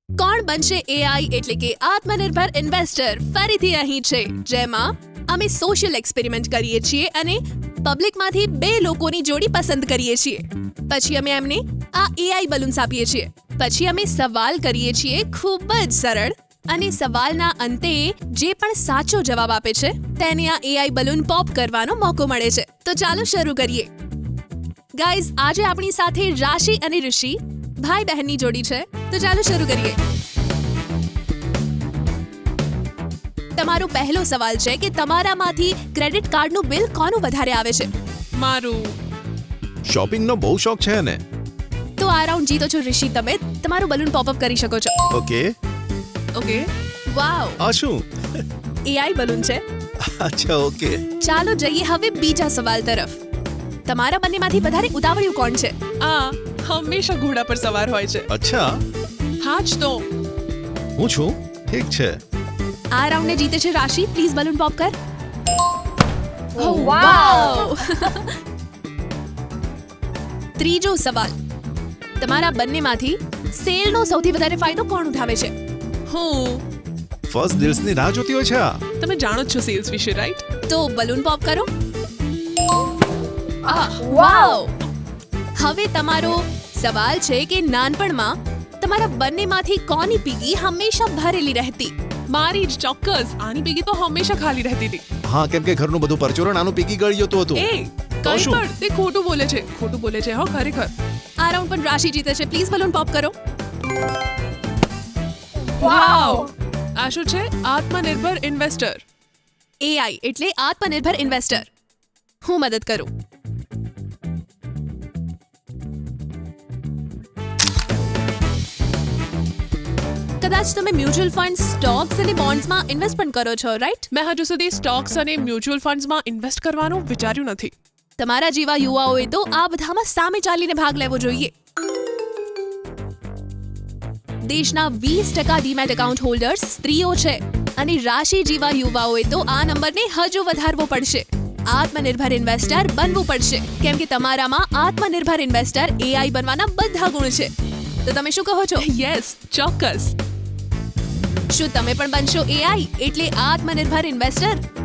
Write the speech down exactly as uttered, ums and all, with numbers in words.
કોણ બનશે એઆઈ એટલે કે આત્મનિર્ભર ઇન્વેસ્ટર ફરીથી અહીં છે, જેમાં અમે સોશિયલ એક્સપેરિમેન્ટ કરીએ છીએ અને પબ્લિકમાંથી બે લોકોની જોડી પસંદ કરીએ છીએ. પછી અમે એમને આ એઆઈ બલૂન્સ આપીએ છીએ. પછી અમે સવાલ કરીએ છીએ ખૂબ જ સરળ, અને સવાલના અંતે જે પણ સાચો જવાબ આપે છે તેને આ એઆઈ બલૂન પોપ કરવાનો મોકો મળે છે. તો ચાલો શરૂ કરીએ. ગાઈઝ, આજે આપણી સાથે રાશિ અને ઋષિ ભાઈ બહેનની જોડી છે. તો ચાલો શરૂ કરીએ. તમારો પહેલો સવાલ છે કે તમારામાંથી ક્રેડિટ કાર્ડનું બિલ કોનું વધારે આવે છે? મારું. શોપિંગનો બહુ શોખ છે ને. તો આ રાઉન્ડ જીતો છો ઋષિ તમે. તમારું બલૂન પોપ અપ કરી શકો છો. ઓકે. ઓકે. વાવ, આ શું? એઆઈ બલૂન છે. અચ્છા, ઓકે. ચાલો જઈએ હવે બીજા સવાલ તરફ. તમારા બંનેમાંથી વધારે ઉતાવળિયું કોણ છે? આ હંમેશા ઘોડા પર સવાર હોય છે. અચ્છા, હા જ તો. હું છું. ઠીક છે. આ રાઉન્ડને જીતે છે રાશિ. પ્લીઝ બલૂન પોપ કર. Oh, wow. ત્રીજો સવાલ. તમારા બંનેમાંથી સેલનો સૌથી વધારે ફાયદો કોણ ઉઠાવે છે? હું. ફર્સ્ટ ડીલ્સની રાહ જોતી હોય છે આ. તમે જાણો જ છો સેલ્સ વિશે, રાઈટ? તો બલૂન પોપ કરો. વાવ. હવે તમારો સવાલ છે કે નાનપણમાં તમારા બંનેમાંથી કોની પીગી હંમેશા ભરેલી રહેતી? મારી જ, ચોક્કસ. આની પીગી તો હંમેશા ખાલી રહેતી હતી. હા, કેમ કે ઘરનું બધું પરચુરણ આનું પીકી ગળી જતું હતું. એ તો કઈ શું? પણ તે ખોટું બોલે છે. ખોટું બોલે છે હો, ખરેખર. આ રાઉન્ડ પણ રાશિ જીતે છે. પ્લીઝ બલૂન પોપ કરો. વાવ. આ શું છે? આત્મનિર્ભર ઇન્વેસ્ટર. એઆઈ એટલે આત્મનિર્ભર ઇન્વેસ્ટર. હું મદદ કરું. કદાચ તમે મ્યુચ્યુઅલ ફંડ, સ્ટોક્સ અને બોન્ડ્સમાં ઇન્વેસ્ટ પણ કરો છો, રાઈટ? મેં હજુ સુધી સ્ટોક્સ અને મ્યુચ્યુઅલ ફંડ્સમાં ઇન્વેસ્ટ કરવાનું વિચાર્યું નથી. તમારા જેવા યુવાઓએ તો આ બધામાં સામે ચાલીને ભાગ લેવો જોઈએ. દેશના વીસ ટકા ડીમેટ એકાઉન્ટ હોલ્ડર્સ સ્ત્રીઓ છે, અને રાશિ જેવા યુવાઓએ તો આ નંબરને હજુ વધારવો પડશે. આત્મનિર્ભર ઇન્વેસ્ટર બનવું પડશે, કેમ કે તમારામાં આત્મનિર્ભર ઇન્વેસ્ટર એઆઈ બનવાના બધા ગુણ છે. તો તમે શું કહો છો? યસ, ચોક્કસ. શું તમે પણ બનશો એઆઈ એટલે આત્મનિર્ભર ઇન્વેસ્ટર?